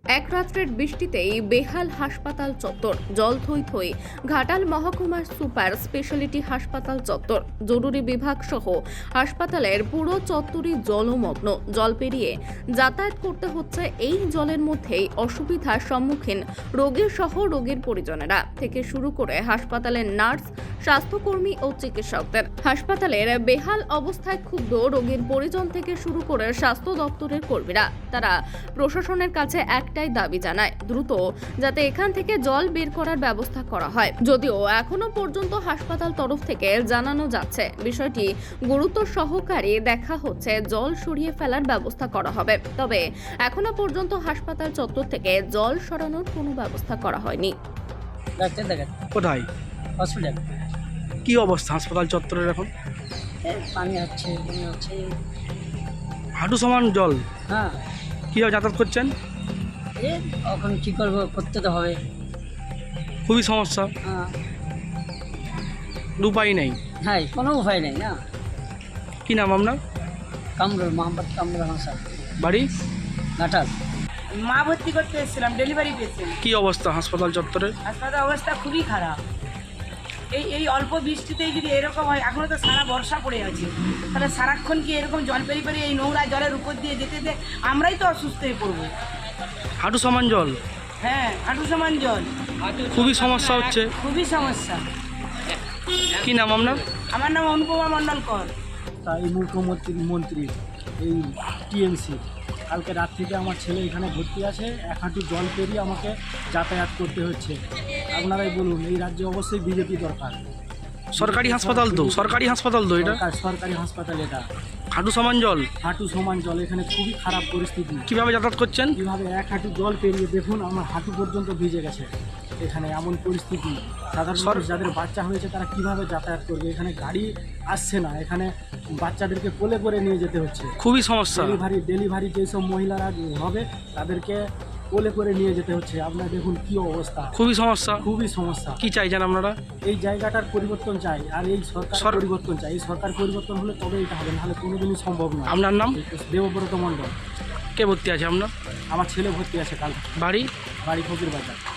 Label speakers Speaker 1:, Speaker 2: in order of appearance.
Speaker 1: এক রাত্রের বৃষ্টিতেই বেহাল হাসপাতাল চত্বর, জল থই থই। ঘাটাল মহকুমার সুপার স্পেশালিটি হাসপাতাল চত্বর, জরুরি বিভাগ সহ হাসপাতালের পুরো চত্বরই জলমগ্ন। জল পেরিয়ে যাতায়াত করতে হচ্ছে। এই জলের মধ্যেই অসুবিধার সম্মুখীন রোগীর সহ রোগীর পরিজনেরা থেকে শুরু করে হাসপাতালের নার্স, স্বাস্থ্যকর্মী ও চিকিৎসকদের। হাসপাতালের বেহাল অবস্থায় ক্ষুব্ধ রোগীর পরিজন থেকে শুরু করে স্বাস্থ্য দপ্তরের কর্মীরা। তারা প্রশাসনের কাছে একটাই দাবি জানায়, দ্রুত যাতে এখান থেকে জল বের করার ব্যবস্থা করা হয়। যদিও এখনো পর্যন্ত হাসপাতাল তরফ থেকে জানানো যাচ্ছে বিষয়টি গুরুত্ব সহকারে দেখা হচ্ছে, জল সরিয়ে ফেলার ব্যবস্থা করা হবে। তবে এখনো পর্যন্ত হাসপাতাল চত্বর থেকে জল সরানোর কোনো ব্যবস্থা করা হয়নি।
Speaker 2: কোথায়
Speaker 3: হসপিটাল
Speaker 2: কি অবস্থা হাসপাতাল চত্বরের এখন?
Speaker 3: পানি হচ্ছে, বমি হচ্ছে।
Speaker 2: হাঁটু সমান জল,
Speaker 3: হ্যাঁ,
Speaker 2: কীভাবে যাতায়াত করছেন?
Speaker 3: এখন কী করবো, করতে তো হবে।
Speaker 2: খুবই সমস্যা,
Speaker 3: হ্যাঁ
Speaker 2: উপায় নেই।
Speaker 3: হ্যাঁ, কোনো উপায় নেই না।
Speaker 2: কি নাম আপনার?
Speaker 3: কামরুল মোহাম্মদ কামরুল হাসান,
Speaker 2: বাড়ি?
Speaker 3: ঘাটাল।
Speaker 4: মা ভর্তি করতে এসেছিলাম, ডেলিভারি পেশেন্ট।
Speaker 2: কি অবস্থা হাসপাতাল চত্বরের?
Speaker 4: হাসপাতালের অবস্থা খুবই খারাপ। এই অল্প বৃষ্টিতেই যদি এরকম হয়, এখনো তো সারা বর্ষা পড়ে আছে, তাহলে সারাক্ষণ কি এরকম জল পেরিয়ে এই নোংরা জলের উপর দিয়ে যেতে যেতে আমরাই তো অসুস্থ হয়ে পড়বো।
Speaker 2: হাঁটু সমান জল,
Speaker 4: হ্যাঁ, হাঁটু সমান জল,
Speaker 2: খুবই সমস্যা হচ্ছে।
Speaker 4: খুবই সমস্যা।
Speaker 2: কি নাম আপনার?
Speaker 4: আমার নাম অনুপমা মণ্ডল কর।
Speaker 5: এই মুখ্যমন্ত্রী এই টিএমসি কালকে রাত থেকে আমার ছেলে এখানে ভর্তি আছে, এক হাঁটু জল পেরিয়ে আমাকে যাতায়াত করতে হচ্ছে। আপনারাই বলুন, এই রাজ্যে অবশ্যই বিজেপি দরকার।
Speaker 2: সরকারি হাসপাতাল তো, সরকারি হাসপাতাল তো এটা।
Speaker 5: সরকারি হাসপাতাল এটা,
Speaker 2: হাঁটু সমান জল,
Speaker 5: হাঁটু সমান জল, এখানে খুবই খারাপ পরিস্থিতি।
Speaker 2: কিভাবে যাতায়াত করছেন?
Speaker 5: কীভাবে এক হাঁটু জল পেরিয়ে দেখুন, আমার হাঁটু পর্যন্ত ভিজে গেছে। এখানে এমন পরিস্থিতি, সাধারণ মানুষ যাদের বাচ্চা হয়েছে তারা কিভাবে যাতায়াত করবে? এখানে গাড়ি আসছে না, এখানে বাচ্চাদেরকে কোলে করে নিয়ে যেতে হচ্ছে।
Speaker 2: খুবই সমস্যা।
Speaker 5: ডেলিভারি যেসব মহিলারা হবে তাদেরকে কোলে করে নিয়ে যেতে হচ্ছে। আপনারা দেখুন কি অবস্থা,
Speaker 2: খুবই সমস্যা,
Speaker 5: খুবই সমস্যা।
Speaker 2: কি চাইছেন আপনারা?
Speaker 5: এই জায়গাটার পরিবর্তন চাই, আর এই সরকার পরিবর্তন চাই। এই সরকার পরিবর্তন হলে তবে এটা হবে, নাহলে কোনোদিনই সম্ভব না।
Speaker 2: আপনার নাম?
Speaker 5: দেবব্রত মণ্ডল।
Speaker 2: কে ভর্তি আছে আপনার?
Speaker 5: আমার ছেলে ভর্তি আছে কাল।
Speaker 2: বাড়ি?
Speaker 5: বাড়ি ফকির বাজার।